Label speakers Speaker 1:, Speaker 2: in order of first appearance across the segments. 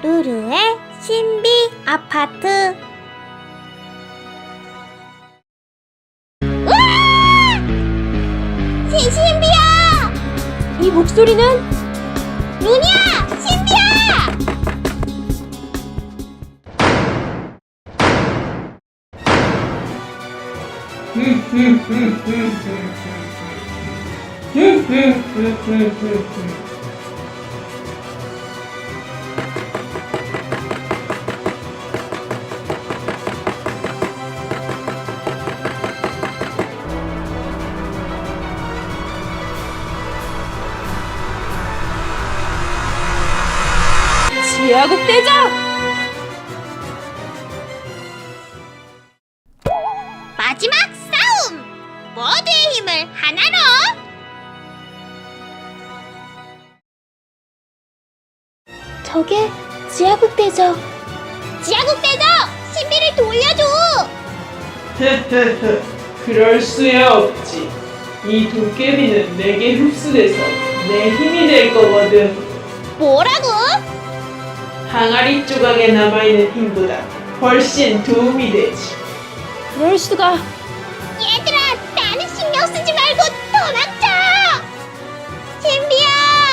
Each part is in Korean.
Speaker 1: 루루의 신비 아파트. 으아! 신비야!
Speaker 2: 이 목소리는?
Speaker 1: 루니야! 신비야!
Speaker 2: 지하국 대적!
Speaker 1: 마지막 싸움! 모두의 힘을 하나로! 저게 지하국 대적. 지하국 대적! 신비를 돌려줘!
Speaker 3: 그럴 수야 없지. 이 도깨비는 내게 흡수돼서 내 힘이 될 거거든.
Speaker 1: 뭐라고?
Speaker 3: 항아리 조각에 남아있는 힘보다 훨씬 도움이 되지.
Speaker 2: 그럴 수가.
Speaker 1: 얘들아, 나는 신경 쓰지 말고 도망쳐! 신비야!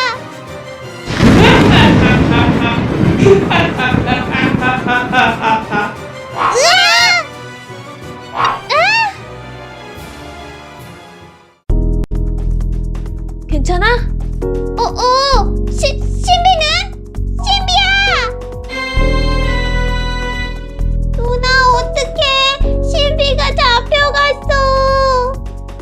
Speaker 2: 괜찮아?
Speaker 1: 신비는? 신비야! 누나, 어떡해! 신비가 잡혀갔어!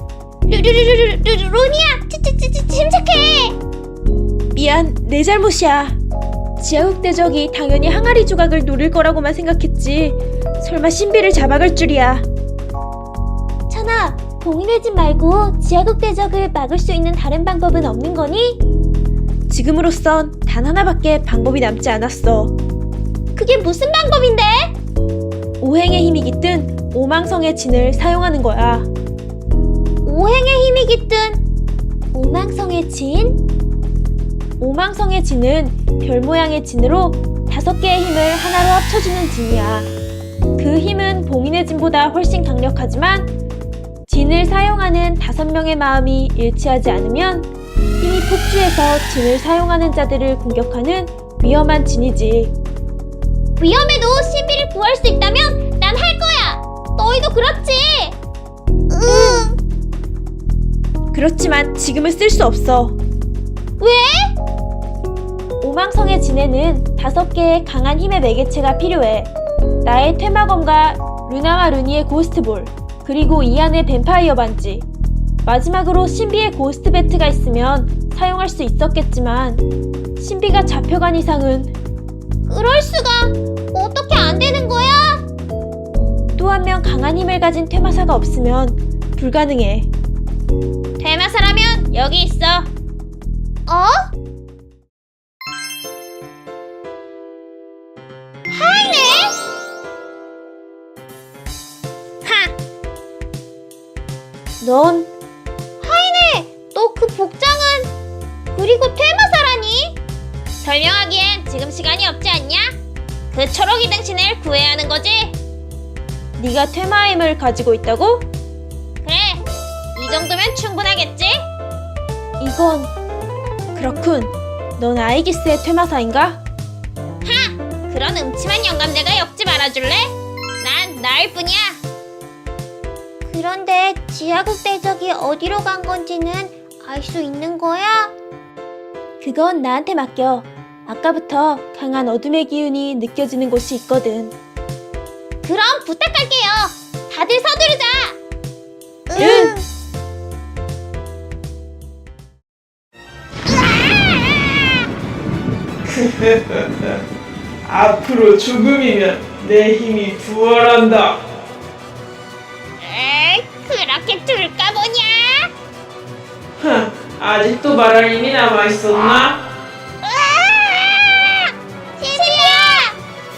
Speaker 1: 루니야! 침착해!
Speaker 2: 미안, 내 잘못이야. 지하국 대적이 당연히 항아리 조각을 노릴 거라고만 생각했지. 설마 신비를 잡아갈 줄이야.
Speaker 1: 천아, 봉인의 집 말고 지하국 대적을 막을 수 있는 다른 방법은 없는 거니?
Speaker 2: 지금으로선 단 하나밖에 방법이 남지 않았어.
Speaker 1: 그게 무슨 방법인데?
Speaker 2: 오행의 힘이 깃든 오망성의 진을 사용하는 거야.
Speaker 1: 오행의 힘이 깃든 오망성의 진?
Speaker 2: 오망성의 진은 별 모양의 진으로 5개의 힘을 하나로 합쳐주는 진이야. 그 힘은 봉인의 진보다 훨씬 강력하지만 진을 사용하는 5명의 마음이 일치하지 않으면 힘이 폭주해서 진을 사용하는 자들을 공격하는 위험한 진이지.
Speaker 1: 위험해도 신비를 구할 수 있다면 난 할 거야! 너희도 그렇지? 응.
Speaker 2: 그렇지만 지금은 쓸 수 없어.
Speaker 1: 왜?
Speaker 2: 오망성의 진에는 5개의 강한 힘의 매개체가 필요해. 나의 퇴마검과 루나와 루니의 고스트볼, 그리고 이안의 뱀파이어 반지, 마지막으로 신비의 고스트 배트가 있으면 사용할 수 있었겠지만 신비가 잡혀간 이상은.
Speaker 1: 그럴 수가! 어떻게 안 되는 거야?
Speaker 2: 또 한 명 강한 힘을 가진 퇴마사가 없으면 불가능해.
Speaker 1: 퇴마사라면 여기 있어. 어? 하이네? 하!
Speaker 2: 넌
Speaker 1: 하이네! 너 그 복장은... 그리고 퇴마사라니? 설명하기엔 지금 시간이 없지 않냐? 그 초록이 등신을 구해야 하는 거지?
Speaker 2: 네가 퇴마의 힘을 가지고 있다고?
Speaker 1: 그래, 이 정도면 충분하겠지?
Speaker 2: 이건... 그렇군. 넌 아이기스의 퇴마사인가?
Speaker 1: 하! 그런 음침한 영감대가 엮지 말아줄래? 난 나일 뿐이야. 그런데 지하국 대적이 어디로 간 건지는 알 수 있는 거야?
Speaker 2: 그건 나한테 맡겨. 아까부터 강한 어둠의 기운이 느껴지는 곳이 있거든.
Speaker 1: 그럼 부탁할게요. 다들 서두르자.
Speaker 2: 응.
Speaker 3: 앞으로 조금이면 내 힘이 부활한다.
Speaker 1: 에이, 그렇게 둘까 보냐?
Speaker 3: 아직도 말할 힘이 남아있었나?
Speaker 1: 신비야!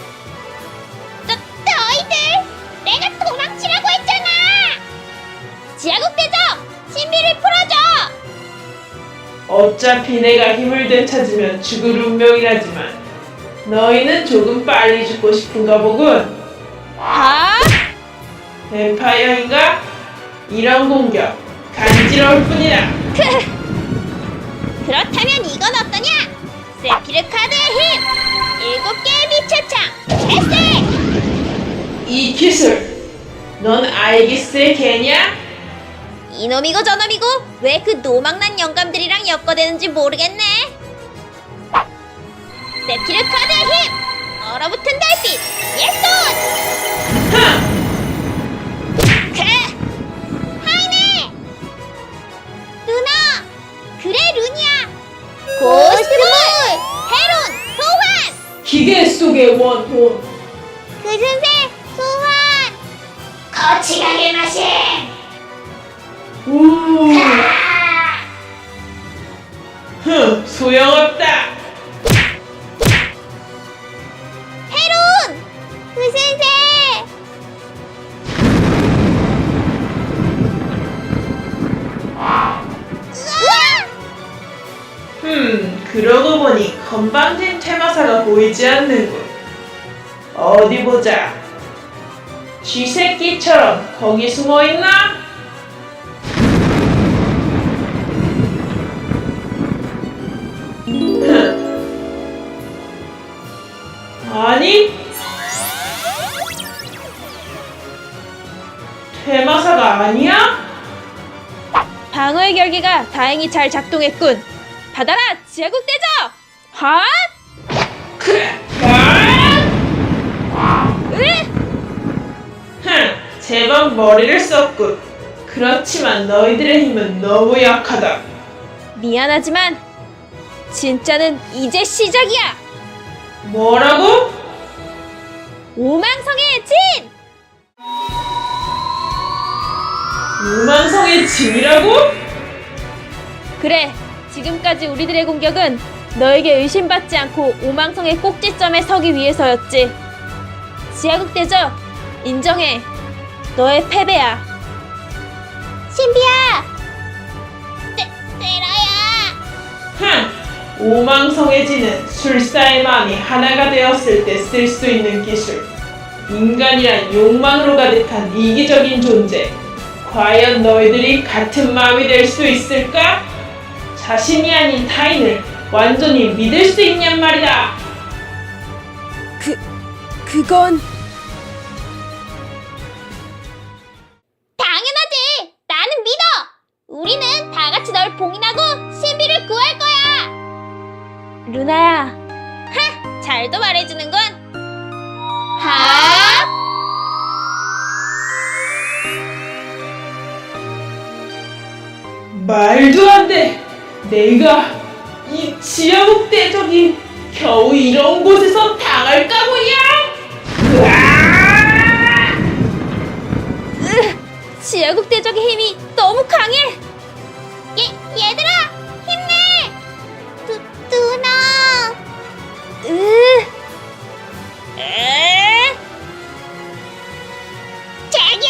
Speaker 1: 너희들! 내가 도망치라고 했잖아! 지하국 대적! 신비를 풀어줘!
Speaker 3: 어차피 내가 힘을 되찾으면 죽을 운명이라지만 너희는 조금 빨리 죽고 싶은가 보군.
Speaker 1: 아?
Speaker 3: 뱀파이어인가? 이런 공격 간지러울 뿐이다.
Speaker 1: 그렇다면 이건 어떠냐? 세피르 카드의 힘! 7개의 빛의 창! 채색!
Speaker 3: 이 기술 넌 아이기스의 개냐?
Speaker 1: 이놈이고 저놈이고 왜 그 노망난 영감들이랑 엮어대는지 모르겠네. 세피르 카드의 힘! 얼어붙은 달빛! 예손!
Speaker 3: 흥!
Speaker 1: 하이네! 누나! 그래 루니야! 고스트볼! 헤론! 소환!
Speaker 3: 기계 속의 원혼.
Speaker 1: 그슨새 소환! 거치가게 마신!
Speaker 3: 우. 소용없다.
Speaker 1: 헤론! 그슨새!
Speaker 3: 그러고 보니 건방진 퇴마사가 보이지 않는군. 어디 보자. 쥐새끼처럼 거기 숨어 있나? 아니? 퇴마사가 아니야?
Speaker 2: 방어의 결계가 다행히 잘 작동했군. 받아라, 지하국 대저! 핫!
Speaker 3: 제법 머리를 썼군. 그렇지만 너희들의 힘은 너무 약하다.
Speaker 2: 미안하지만 진짜는 이제 시작이야.
Speaker 3: 뭐라고?
Speaker 2: 오망성의 진!
Speaker 3: 우만성의 짐이라고?
Speaker 2: 그래, 지금까지 우리들의 공격은 너에게 의심받지 않고 오망성의 꼭지점에 서기 위해서였지. 지하국 대저, 인정해. 너의 패배야.
Speaker 1: 신비야! 때라야!
Speaker 3: 오망성의 지는 술사의 마음이 하나가 되었을 때 쓸 수 있는 기술. 인간이란 욕망으로 가득한 이기적인 존재. 과연 너희들이 같은 마음이 될 수 있을까? 자신이 아닌 타인을 완전히 믿을 수 있냔 말이다.
Speaker 2: 그건...
Speaker 1: 당연하지! 나는 믿어! 우리는 다 같이 널 봉인하고 신비를 구할 거야!
Speaker 2: 루나야,
Speaker 1: 잘도 말해주는군! 하?
Speaker 3: 말도 안 돼! 내가 이 지하국 대적이 겨우 이런 곳에서 당할까 보냐?
Speaker 2: 지하국 대적의 힘이 너무 강해.
Speaker 1: 얘들아! 힘내! 누나! 자기!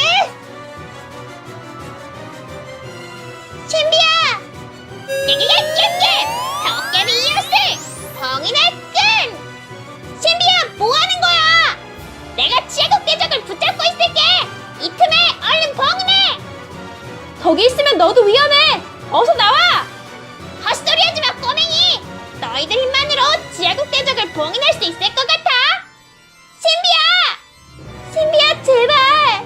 Speaker 1: 신비야! 깨깨깨깨깨! 도깨비 이웃을! 봉인의 끈! 신비야, 뭐하는 거야? 내가 지하국 대적을 붙잡고 있을게! 이 틈에 얼른 봉인해!
Speaker 2: 거기 있으면 너도 위험해. 어서 나와.
Speaker 1: 헛소리하지 마, 꼬맹이! 너희들 힘만으로 지하국 대적을 봉인할 수 있을 것 같아? 신비야! 신비야, 제발!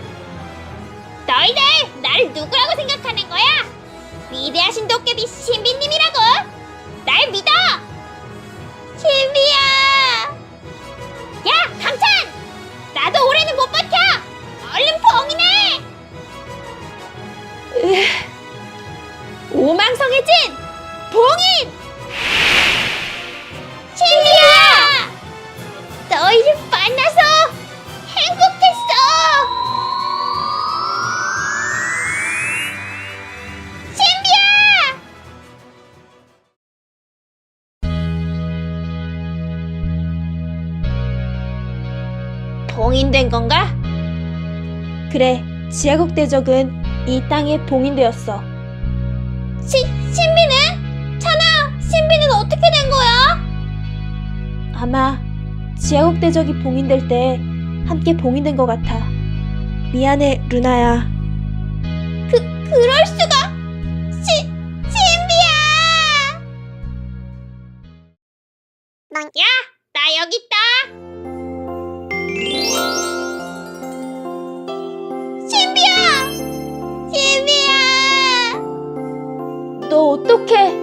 Speaker 1: 너희들 나를 누구라고 생각하는 거야? 위대하신 도깨비 신비님이라고! 날 믿어! 신비야! 야, 강찬! 나도 올해는 못 버텨! 얼른 봉인해!
Speaker 2: 오망성의 진! 봉인!
Speaker 1: 신비야! 너희를 만나서 행복했어! 신비야! 봉인된 건가?
Speaker 2: 그래, 지하국 대적은 이 땅에 봉인되었어.
Speaker 1: 신비는? 찬아, 신비는 어떻게 된 거야?
Speaker 2: 아마 지하국 대적이 봉인될 때 함께 봉인된 것 같아. 미안해, 루나야.
Speaker 1: 그럴 수가! 신비야! 야, 나 여기 있다! 신비야!
Speaker 2: 너 어떡해?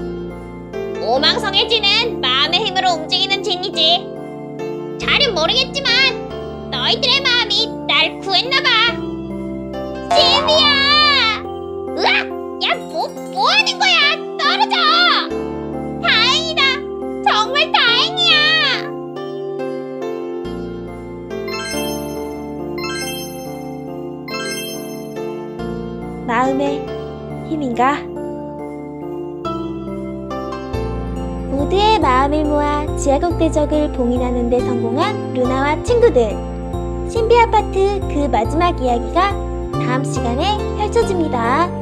Speaker 1: 오망성의 진은 마음의 힘으로 움직이는 진이지. 잘은 모르겠지만 너희들의 마음이 날 구했나봐. 신비야! 으악! 야, 뭐 하는 거야? 떨어져! 다행이다. 정말 다행이야.
Speaker 2: 마음의 힘인가? 모두의 마음을 모아 지하국 대적을 봉인하는 데 성공한 루나와 친구들. 신비 아파트 그 마지막 이야기가 다음 시간에 펼쳐집니다.